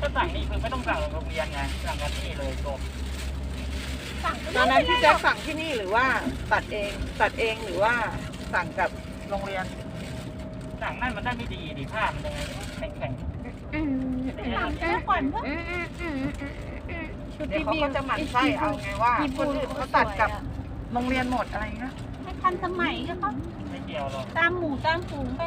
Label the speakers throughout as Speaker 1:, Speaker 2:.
Speaker 1: สั่งนี่คือไม่ต้องสั่งโรงเรียนไงสั่งกันที่เลยจบ
Speaker 2: ตอนนั้นพี่แจ๊คสั่งที่นี่หรือว่าตัดเองหรือว่าสั่งกับโรงเรียน
Speaker 1: สั่งนั่นมันได้ไม่ดีดิผ้ามันยังไงแข็ง
Speaker 3: หลังแล้วก่อนเพื่อ
Speaker 2: เดี๋ยวเขาก็จะหมั่นไส้เอาไงว่าคนอื่นเขาตัดกับโรงเรียนหมดอะไรเงี้ย
Speaker 3: ให้ทันสมัยก็เขา
Speaker 1: ไม่เกี่ยวหรอก
Speaker 3: ตามหมู่ตามฝูงไป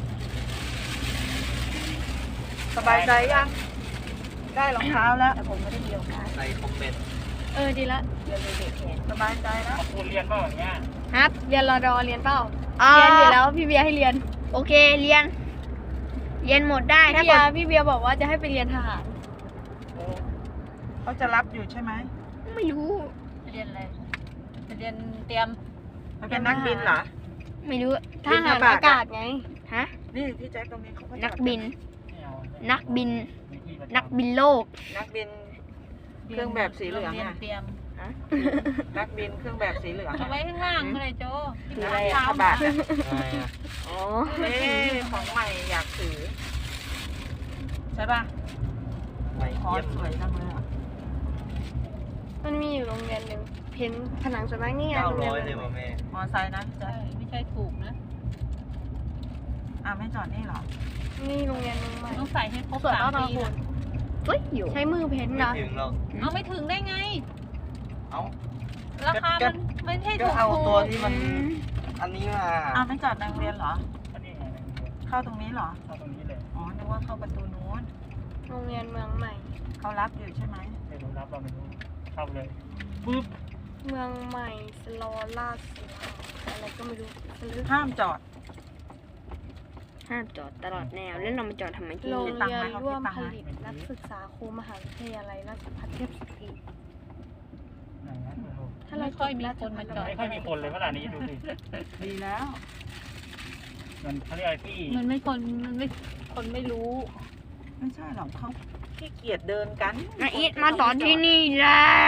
Speaker 2: สบายใจยังได้รองเท้าแล้ว
Speaker 4: แต่ผมไม่ได้มีโอกาส
Speaker 1: ในคอมเมนต์
Speaker 4: ดีละเรียนเลยเด็กแขน
Speaker 2: สบายใจแล้ว
Speaker 1: คุณเรียนเปล่าอย่างเงี้ย
Speaker 4: ฮัทเรียนรอดอเรียนเปล่าเรียนอยู่แล้วพี่เบียร์ให้เรียน โอเคเรียน เรียนหมดได้ถ้าพี่เบียร์บอกว่าจะให้ไปเรียนทหาร
Speaker 2: เขาจะรับอยู่ใช่ไหม
Speaker 4: ไม่รู้
Speaker 3: เรียนอะไรเรียนเตรียม
Speaker 2: มันเป็นนักบินเหรอ
Speaker 4: ไม่รู้ท
Speaker 2: บิน
Speaker 4: หาร
Speaker 2: อากาศ
Speaker 4: อากาศไงฮะ
Speaker 2: นี่พี่แจ๊คตรงนี้เขาก็
Speaker 4: นักบิน
Speaker 1: ไม่เอา
Speaker 4: นักบิน นักบินโลก
Speaker 2: นักบิน เครื่องแบบสีเหลือง
Speaker 3: เรียน
Speaker 2: อะ
Speaker 3: เตรียม
Speaker 2: นักบินเครื่องแบบสีเหลือง
Speaker 3: เอาไว้ข้างล่างก็เลยโจ
Speaker 2: ถืออะไรอะกระบะอะ
Speaker 4: อ๋อ
Speaker 2: เอ๊ะของใหม่อยากถือใช่ป่ะ
Speaker 1: ไม่
Speaker 2: คอ
Speaker 1: เยี่ย
Speaker 2: ส
Speaker 1: ม
Speaker 2: สวยจังเลยอะ
Speaker 4: มันมีอยู่โรงเรียนหนึ่งเพ้นผนังสวนไม้นี่ไงโรงเรียน
Speaker 1: เลยว่ะแม่
Speaker 2: มอไซค์นะพี่แจ๊
Speaker 3: ใช่
Speaker 2: ค
Speaker 3: ไม่ใช่ถูกนะ
Speaker 2: ไม่จอดนี่เหรอ
Speaker 4: นี่โรงเรียนหนึงใหม่
Speaker 3: ต้องใส่ให้ครบ
Speaker 4: สวย
Speaker 3: 3
Speaker 4: มาก
Speaker 3: ปี
Speaker 4: คุณ
Speaker 3: นะ
Speaker 4: เฮ้ยใช้มือเพ้นนะ
Speaker 1: ถึงเรา
Speaker 3: เอาไม่ถึงได้ไง
Speaker 1: เอา
Speaker 3: ราคามันไม่ใช่
Speaker 1: ก็
Speaker 3: ถูก
Speaker 1: เอาตัวที่มันอันนี้มา
Speaker 2: ไม่จอดในโรงเรียนเหรอ
Speaker 1: อันนี้ไง
Speaker 2: เข้าตรงนี้เหรอ
Speaker 1: เข้าตรงนี้เลย
Speaker 2: อ๋อ นึกว่าเข้าประตูนู้น
Speaker 4: โรงเรียนเมืองใหม่
Speaker 2: เขารับอยู่ใช่ไหม
Speaker 1: ไม่รู้รับเราไม่รู้เข้าเลยปึ๊บ
Speaker 4: เมืองใหม่สโลลาสอะไรก็ไม่รู้สลึก
Speaker 2: ห้ามจอด
Speaker 4: ห้ามจอดตลอดแนวแล้วเรามาจอดทำไมที่
Speaker 2: โร
Speaker 4: นี่
Speaker 2: ง
Speaker 4: โรง
Speaker 2: เรี
Speaker 4: เรี
Speaker 2: ย
Speaker 4: ย
Speaker 2: น
Speaker 4: น
Speaker 2: ร่
Speaker 4: ร่
Speaker 2: ว
Speaker 4: ว
Speaker 2: ม
Speaker 4: ม
Speaker 2: ผ
Speaker 4: ผ
Speaker 2: ลิ
Speaker 4: ลิ
Speaker 2: ต
Speaker 4: ตนักศึกษาครูมหาวิทยาลัยราชภัฏเทพสตรี
Speaker 1: ไหนนะไม่รู้
Speaker 4: ถ้าเรา
Speaker 3: ไม่ค่อยมีคนมาจอด
Speaker 1: ไม่ค่อยมีคนเลยเวลานี้ดูสิ
Speaker 2: ดีแล้ว
Speaker 1: มันเขาเรียกอะไรที่
Speaker 3: มันไม่คนไม่รู้
Speaker 2: ไม่ใช่หรอกเขาขี้เกียจเดินกัน
Speaker 4: นาอีทมาสอนที่นี่เลย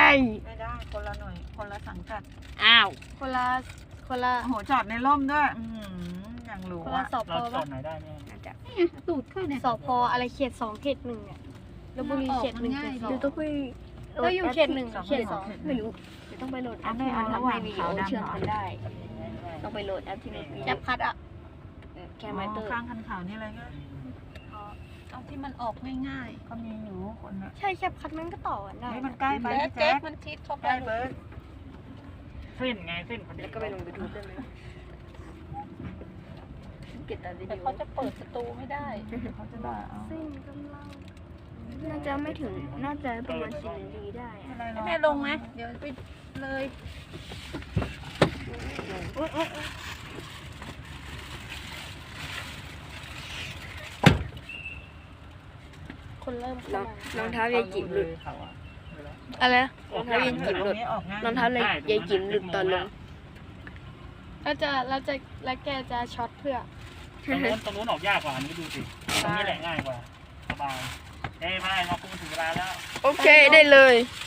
Speaker 2: ไม่ได้คนละหน่วย คนละสังกัด
Speaker 4: อ้าวคนละ
Speaker 2: โอ้โห จอดในร่มด้วยอย่างหรู
Speaker 4: คนละ
Speaker 2: อะ
Speaker 4: สพ
Speaker 1: เราจอ
Speaker 4: ปะ
Speaker 1: ดไหนได้เนี่ย
Speaker 4: น่าจะ
Speaker 3: ตูดขึ้นเนี่ย
Speaker 4: สพอะไรเขต2เขต1เนี่ยลพบุรีเขต1เขต2
Speaker 3: ดูต้องไป
Speaker 4: เราอยู่เขต1เขต2ไม่รู้เดี๋ยวต้องไปโหลดแอปที่มันทำให้วิดีโอเชื่อมกันได้ ต้องไปโหลดแอปที่มันแอปพัดอ่ะแคมไมเตอร์
Speaker 2: ข้างคันขาวนี่อะไรเงี้ย
Speaker 3: เอาที่มันออกง่าย
Speaker 2: ก็มีอยู่คนน่ะ
Speaker 4: ใช่แคปพัดมันก็ต่อกันได้
Speaker 2: เฮ้ยมันใกล้
Speaker 3: ๆ
Speaker 2: ไป
Speaker 3: แล้ว
Speaker 2: พี่
Speaker 3: เจ๊
Speaker 2: แจ๊ค
Speaker 3: มันชิดเข้าไป
Speaker 2: ใกล้เบิร์ด
Speaker 1: เส้นไงเส้นพอดี
Speaker 4: แล้วก็ไปลงยูทูบได้ไหมเก็บแต่วิ
Speaker 3: แต่
Speaker 4: ดีโอ
Speaker 3: เขาจะเปิดประตูไม่ได้
Speaker 2: เขาจะด่าเอา
Speaker 4: ซึ่งกำลังน่าจะไม่ถึงน่าจะประมาณ10 นาทีได้อะ
Speaker 2: อะไรหรอก
Speaker 3: แม่ลงไหมเดี๋ยวไปเลย
Speaker 4: คนเริ่มเข้ารองเท้ายายจิ๋มหลุด
Speaker 1: เขาอะ
Speaker 4: อะไรนะรองเท้ายายจิ๋มหลุด
Speaker 2: ออกง่าย
Speaker 4: รองเท้ายายจิ๋มหลุดตอนลงแล้วแกจะช็อตเพื่อ
Speaker 1: ตรงนู้นออกยากกว่าอันนี้ดูสิตรงนี้แหละง่ายกว่าสบายเอ้ยไม่มาพูดถึงเวลาแล้ว
Speaker 4: โอเคได้เลย